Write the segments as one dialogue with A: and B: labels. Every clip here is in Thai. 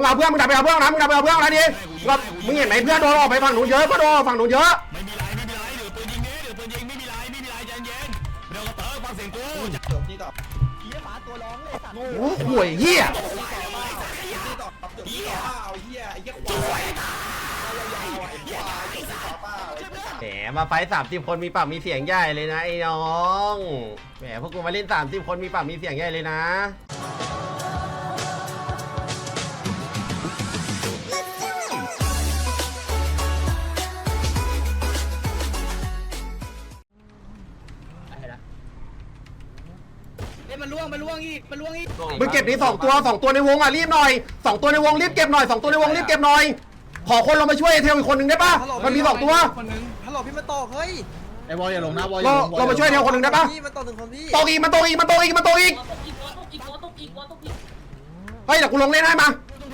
A: เอาเพื่อนมึงดับไปเอาเพื่อนนะมึงดับไปเอาเพื่อนนะดิมึงเห็นไหมเพื่อนโดนออกไปฝั่งหนูเยอะก็โดนฝั่งหนูเยอะ
B: ไม่มีไรเหลือปืนยิงนี้เหลือปืนยิงไม่มีไรใจเย็นเดี๋ยวกระเต๋อฟังเสียงกู
A: โอ้ห่วยเหี้ยแหมมาไฟ30 คนมีปากมีเสียงใหญ่เลยนะไอ้น้องแหมพวกกูมาเล่น30 คนมีปากมีเสียงใหญ่เลยนะ
C: มันล่วงอีก
A: มึงเก็บนี่2 ตัวในวงอ่ะรีบหน่อย2 ตัวในวงรีบเก็บหน่อย2 ตัวในวงรีบเก็บหน่อยขอคนเรามาช่วยเทลอีกคนหนึ่งได้ปะมันมี2 ตัว
C: คนนึงฮัลโหลพี่มาตกเฮ้ย
D: ไอ้บอลอย่าลงนะบอล
A: เรามาช่วยเทลคนหนึ่งได้ปะ
C: พี่มาตกถึงคนพี่
A: ตกอีกเฮ้ยเดี๋ยวกูลงเล่นให้มา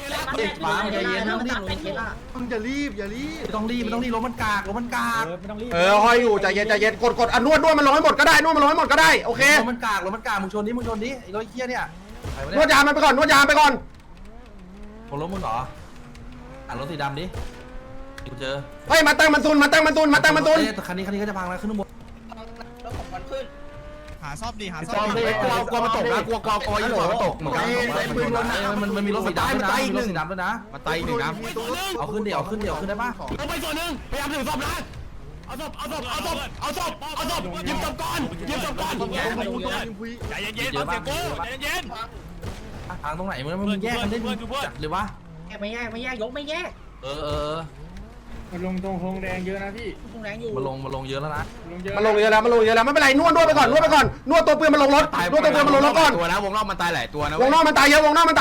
D: มึงอย่ารีบไม่ต้องรีบรถมันกาก
A: ห้อยอยู่ใจเย็นกดนวดมันลงให้หมดก็ได้โอเค
D: รถมันกากมึงชนดิไอ้รถเหี้ยเนี่ย
A: นวดยามมันไปก่อนนวดยามไปก่อน
D: ของรถมึงเหรอรถสีดำดิกูเจอ
A: เฮ้ยมาตั้งมันซุนคันนี้
D: ก็จะพังแล้วขึ้นบน
C: แล้วผมมันขึ้น
B: หาซ่อมดิ
A: กลัวมันตกนะกลัวยิ่งกว่ามันตกเหมือนกัน
D: มันมีรถสีดำด้วยนะมีรถสีดำด้วยนะ
A: มาไต่1นะ
D: เอาขึ้นได้ป่ะ
B: ลงไปส่วนหนึ่งพยายามถือศพนะเอาศพยิงศพก่อนใจเย็นฟังเสียงกูใจเย็น
D: ทางตรงไหนมึงแยกกันได้จัดเลยวะ
C: ไม่แยกยกไม่แยก
E: มันลงตรงโฮงแดงเยอะนะพี่
C: ตรงแดงอยู่
D: มันลงเยอะแล้วนะ
A: มันลงเยอะแล้วไม่เป็นไรนวดไปก่อนนวดตัวปืนมันลงรถนวดตัวปืนมันลงรถก่อน
F: ตัวนะวงนอกมันตายหลายตัวนะ
A: วงนอกมันตายเยอะ
D: เร็วมัน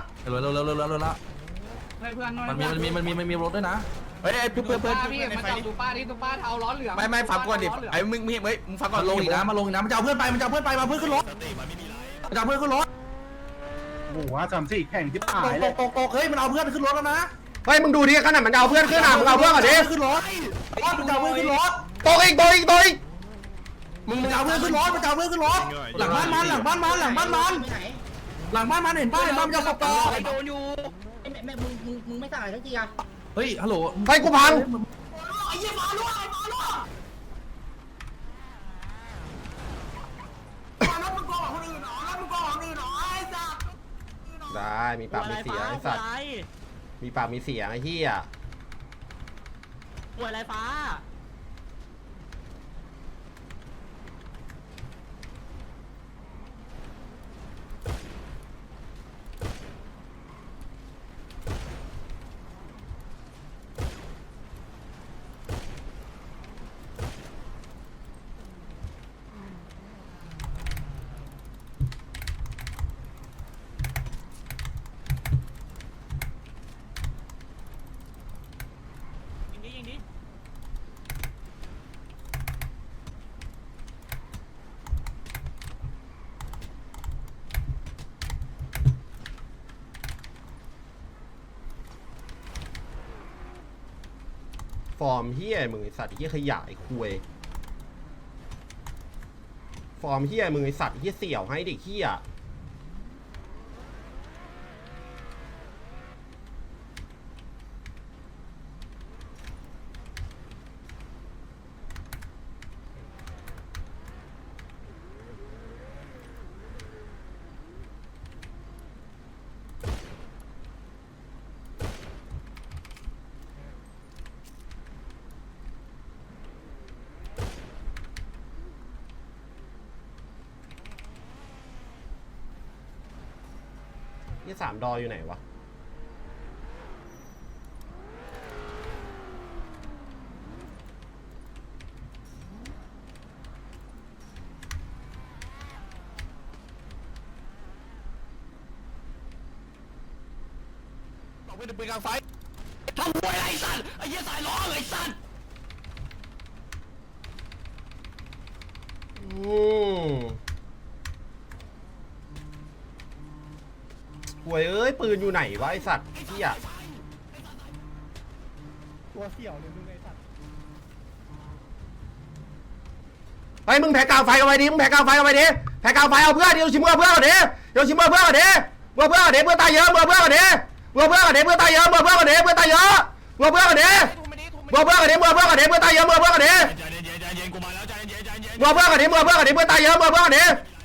D: มีรถด้วยนะ
F: เฮ้ยเพื่อน
E: พี่มาจับตูป้าเทาร้อนเหลือง
F: ไม่ฟังก่อนดิไอ้มึงฟังก่อน
D: ลงอีกนะมันจะเอาเพื่อนไปมาเพื่อนขึ้นรถ
E: โอ้โห3-4แข่งที่ตายเลย
D: ตกเฮ้ยมันเอาเพื่อนขึ้นรถแล้วนะ
A: เฮ้ยมึงดูดิขนาดมันเอาเพื่อนขึ้นมึงเอาเพื่อนก่อนดิ
D: ขึ้นรถมันเอาเพื่อนขึ้นรถ
A: ตกอีก
D: มึงเอาเพื่อนขึ้นรถหลังบ้านมันเห็นป้ายมันจะขับต่อ
C: โดนอยู่แม่มึงไม่ตายสักทีอะ
D: เฮ้ยฮัลโหล
A: ไปกูพัง
C: ไอ้เหี้ยมาล่ว
A: ได้มีปากมีเสียงไอ้สัตว์มีปากมีเสียงไอ้เหี้ย
C: ป่วยไรฟ้า
A: ฟอร์มเหี้ยมึงไอสัตว์เหี้ยขยะไอ้คุยฟอร์มเหี้ยมึงไอสัตว์เหี้ยเสี่ยวให้เด็กเหี้ยนี่3 ดออยู่ไหนวะ
B: บอกเป็นปืนกลางไฟทำป่วยไอ้สัตว์ไอ้เหี้ยสายล้อไอ้สัตว์
A: หวยเอ้ยปืนอยู่ไหนวะไอสัตว์ที่อ่ะ
E: ตัวเสี่ยวเลยมึงไอ้สัตว์
A: ไปมึงแผลกาวไฟเอาไว้ดิแผลกาวไฟเอาเพื่อนเดี๋ยวชิมเพื่อนเพื่อนเดี๋ยวตายเยอะเพื่อนเพื่อนกันเด้เพื่อนตายเยอะเพื่อนกันเด้เพื่อนตายเยอะเพื่อนกันเด้เพื่อนกันเด้เพื่อนกันเด้เพื่อนตายเยอะเพื่อนกันเด้
B: ใจเย็นกูมาแล้วใจเย็นใจเย็น
A: เพื่อนกันเด้เพื่อนกันเด้เพื่อนตายเยอะเพื่อนกันเด้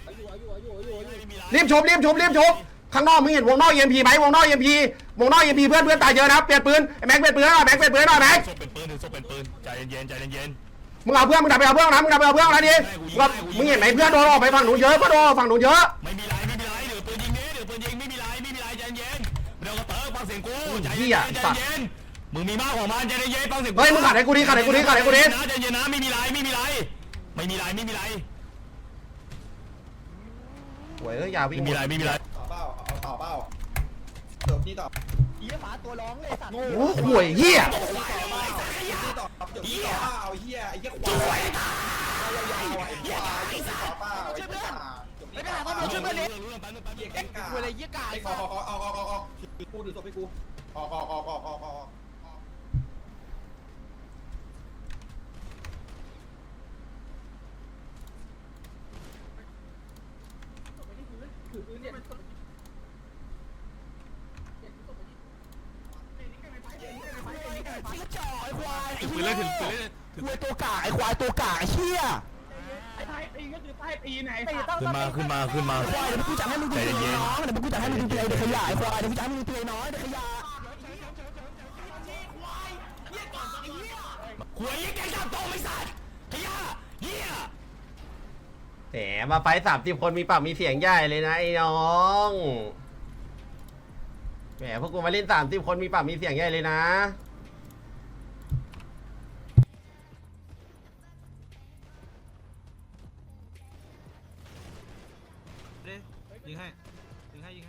A: รีบชมข้างนอกมึงเห็นวงนอก EMP ไหมวงนอก EMP เพื่อนตายเยอะนะเปลี่ยนปืนแม็กเปลี่ยนปืนหน่อยแม็กศพเป็นปืนใจเย็นมึงเอาเพื่อนมึงดับไปเอาเพื่อนนะดิมึงเห็นไหมเพื่อนโดนออกไปฝั่งหนูเยอะเพื่อนโดนฝั่งหนูเยอะ
B: ไม่มีไรเดี๋ยวปืนยิงไม่มีไรใจเย็นเดี๋ยวก็เติร์กฟังเสียงกูใจเย็นมึงมีมากของมันใจเย็นฟังเสียง
A: เฮ้ยมึงขัดให้กูดิ
B: ใจเย็นนะไม่มีไร
A: โว้ยอย่าวิ่ง
B: ไม่มีไร
A: โอ้ห่วยเหี้ย
C: ไม่ได้ต้องช่วยเพื่อนเล็ก
F: กูเลยยี่กากูดูศพให้กูออก
B: ปืนเล่นถึง
D: ตัวกาไอ้ควายตัวกาไอ้เหี้ย
B: ขึ้นมา
D: ควายเดี๋ยวกูจัดให้มึงดูเลยน้องเดี๋ยวกูจัดให้มึงดูเลยเดี๋ยวขยายควายเดี๋ยวกูจัดให้มึงดูเลยน้อยเดี๋ยวขยาย
B: หวยยี่แกจับโตไม่สัตว์ขยะเหี้ย
A: แหมมาไฟ30 คนมีปากมีเสียงใหญ่เลยนะไอ้น้องแหมพวกกูมาเล่น30 คนมีปากมีเสียงใหญ่เลยนะ
D: ยิงให้กูยิง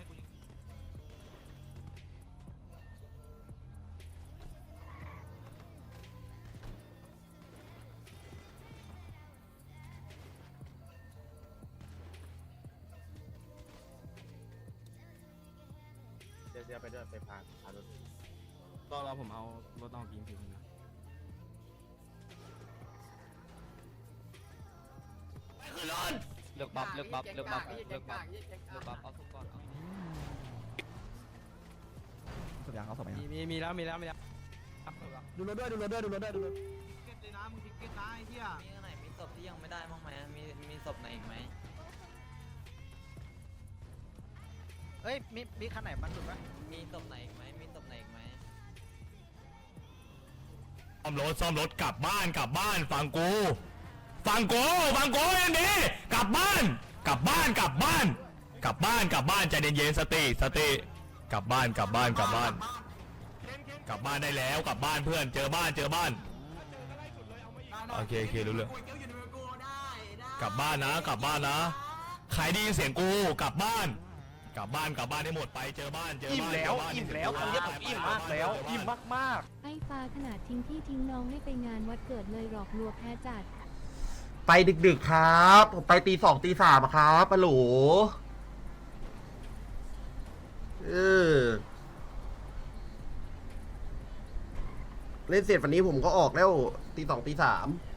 F: เดี๋ยวไปด้วยไปพารถ
B: รอผมเอารถนอกยิงทีนึงนะไปขึ้นรถ
G: เลือกบัฟเอาทุกก่อน
D: สุดยังเอาสมัย
G: มีแล้ว
D: ดูรถด้วย
G: มีอันไหนมีศพที่ยังไม่ได้บ้างไหมมีศพไหนอีกไหม
C: เฮ้ยมีคันไหนมันสุดปะ
G: มีศพไหนอีกไหม
B: ซ่อมรถกลับบ้านฟังกูอย่างนี้กลับบ้านใจเย็นๆสติกลับบ้านได้แล้วกลับบ้านเพื่อนเจอบ้านโอเครู้เรื่องกลับบ้านนะใครได้ยินเสียงกูกลับบ้านให้หมดไปเจอบ้านอิ่มแล้วคำนี้ผมอิ่มมากแล้วอิ่มมาก
H: ไอ้ฟ้าขนาดทิ้งพี่ทิ้งน้องให้ไปงานวัดเกิดเลยหลอกลวงแพ้จัด
A: ไปดึกๆครับผมไปตี 2 ตี 3ครับปะโหลเล่นเสร็จวันนี้ผมก็ออกแล้วตี 2 ตี 3